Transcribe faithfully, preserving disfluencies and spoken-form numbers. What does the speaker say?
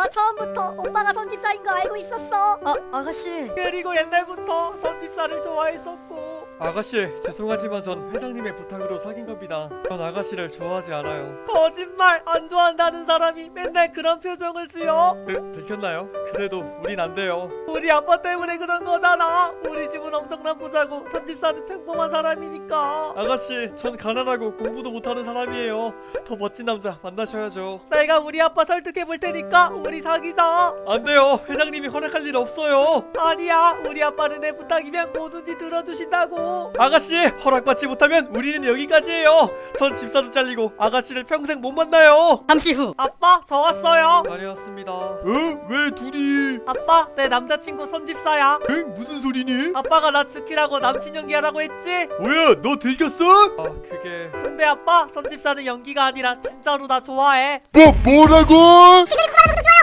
나 처음부터 오빠가 선집사인 거 알고 있었어. 아, 아가씨. 그리고 옛날부터 선집사를 좋아했었고. 아가씨, 죄송하지만 전 회장님의 부탁으로 사귄 겁니다. 전 아가씨를 좋아하지 않아요. 거짓말! 안 좋아한다는 사람이 맨날 그런 표정을 지어? 그, 들켰나요? 그래도 우린 안 돼요. 우리 아빠 때문에 그런 거잖아. 우리 집은 엄청난 부자고 선집사는 평범한 사람이니까. 아가씨, 전 가난하고 공부도 못하는 사람이에요. 더 멋진 남자 만나셔야죠. 내가 우리 아빠 설득해 볼 테니까 우리 사귀자. 안 돼요. 회장님이 허락할 일 없어요. 아니야, 우리 아빠는 내 부탁이면 뭐든지 들어주신다고. 아가씨, 허락받지 못하면 우리는 여기까지예요. 전 집사도 잘리고 아가씨를 평생 못 만나요. 잠시 후. 아빠, 저 왔어요. 다녀왔습니다. 어? 왜 둘이? 아빠, 내 남자친구 선집사야. 응? 무슨 소리니? 아빠가 나 지키라고 남친 연기하라고 했지? 뭐야, 너 들켰어? 아, 그게... 근데 아빠, 선집사는 연기가 아니라 진짜로 나 좋아해. 뭐, 뭐라고?